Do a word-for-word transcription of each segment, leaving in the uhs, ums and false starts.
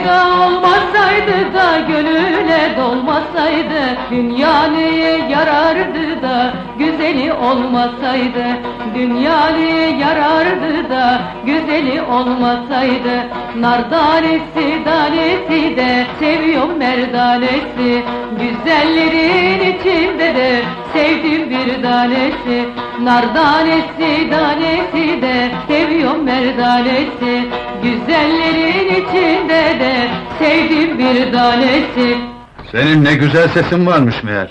Olmasaydı da gönüle dolmasaydı, dünya neye yarardı da güzeli olmasaydı, dünya neye yarardı da güzeli olmasaydı. Nardanesi danesi de seviyorum merdanesi, güzellerin içinde de sevdim bir tanesi. Nardanesi danesi de seviyorum merdanesi, güzellerin içinde de sevdim bir tanesi. Senin ne güzel sesin varmış meğer.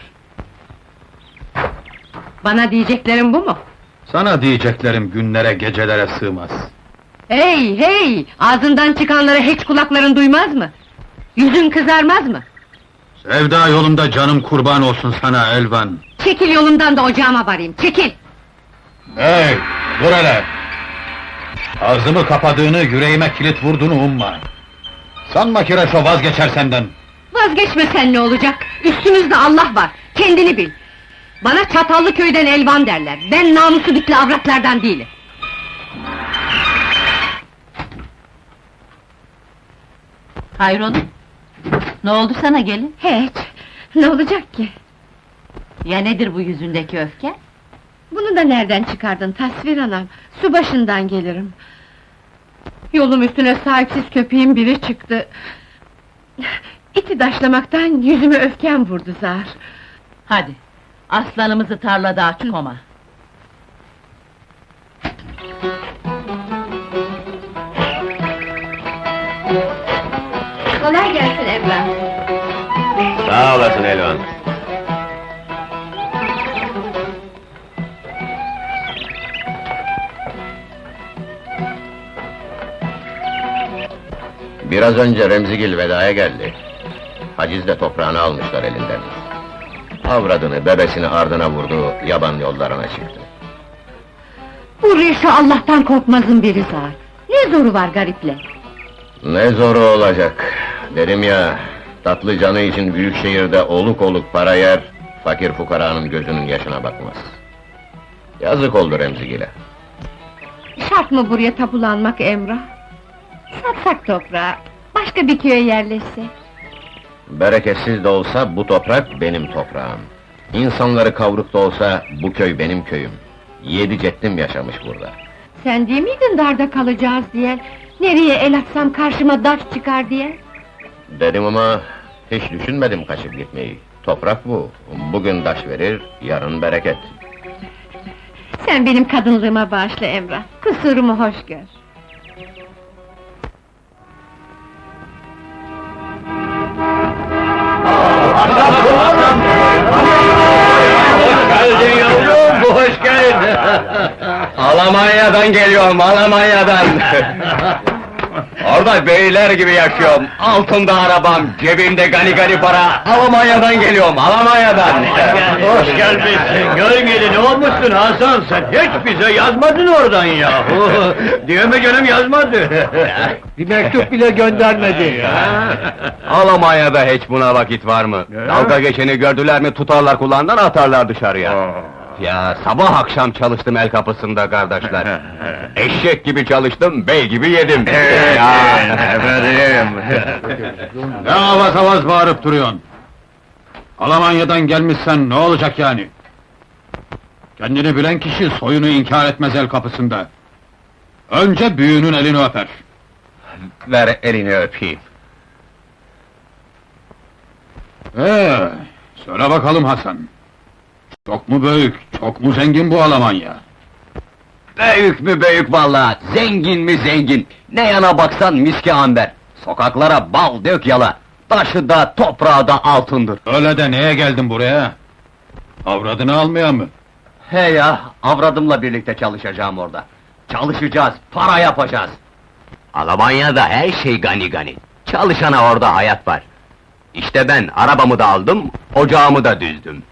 Bana diyeceklerin bu mu? Sana diyeceklerim günlere gecelere sığmaz. Hey hey! Ağzından çıkanları hiç kulakların duymaz mı? Yüzün kızarmaz mı? Sevda yolunda canım kurban olsun sana Elvan. Çekil yolumdan da ocağıma varayım, çekil! Hey, dur hele! Ağzımı kapadığını, yüreğime kilit vurduğunu umma! Sanma ki Reşo vazgeçer senden! Vazgeçmesen ne olacak? Üstümüzde Allah var, kendini bil! Bana Çatallı köyden Elvan derler, ben namusu bitli avratlardan değilim! Hayrola? Ne oldu sana gelin? Hiç, ne olacak ki? Ya nedir bu yüzündeki öfke? Bunu da nereden çıkardın tasvir anam? Su başından gelirim. Yolum üstüne sahipsiz köpeğin biri çıktı. İti daşlamaktan yüzüme öfkem vurdu zar. Hadi, aslanımızı tarlada aç koma. Kolay gelsin Emrah. Sağ olasın Elvan. Biraz önce Remzigil vedaya geldi. Hacizle toprağını almışlar elinden. Avradını, bebesini ardına vurdu, yaban yollarına çıktı. Bu Reşo Allah'tan korkmazın biri zar. Ne zoru var gariple? Ne zoru olacak, dedim ya, tatlı canı için büyük şehirde oluk oluk para yer, fakir fukaranın gözünün yaşına bakmaz. Yazık oldu Remzigil'e. Şart mı buraya tapulanmak Emrah? Satsak toprağı, başka bir köye yerleşsek. Bereketsiz de olsa bu toprak benim toprağım. İnsanları kavruk da olsa bu köy benim köyüm. Yedi ceddim yaşamış burada. Sen değil miydin darda kalacağız diye? Nereye el atsam karşıma daş çıkar diye? Dedim ama hiç düşünmedim kaçıp gitmeyi. Toprak bu. Bugün taş verir, yarın bereket. Sen benim kadınlığıma bağışla Emrah, kusurumu hoş gör. Hoş geldin yavrum, hoş geldin! Almanya'dan geliyorum, Almanya'dan! Orada beyler gibi yaşıyorum, altımda arabam, cebimde gani gani para, Almanya'dan geliyorum, Almanya'dan! Hoş gelmişsin, gör geli ne olmuşsun Hasan, sen hiç bize yazmadın oradan yahu! Diyeme canım yazmadı! Bir mektup bile göndermedi! Almanya'da hiç buna vakit var mı? Dalga geçeni gördüler mi tutarlar kulağından atarlar dışarıya! Ya sabah akşam çalıştım el kapısında kardeşler! Eşek gibi çalıştım, bey gibi yedim! Efendim! Ne avaz avaz bağırıp duruyorsun? Almanya'dan gelmişsen ne olacak yani? Kendini bilen kişi soyunu inkar etmez el kapısında. Önce büyüğünün elini öper. Ver elini öpeyim! Ee, söyle bakalım Hasan. Çok mu büyük, çok mu zengin bu Almanya? Büyük mü büyük vallahi, zengin mi zengin! Ne yana baksan miski amber! Sokaklara bal dök yala! Taşı da toprağı da altındır! Öyle de neye geldin buraya? Avradını almaya mı? He ya, avradımla birlikte çalışacağım orada! Çalışacağız, para yapacağız! Almanya'da her şey gani gani! Çalışana orada hayat var! İşte ben arabamı da aldım, ocağımı da düzdüm!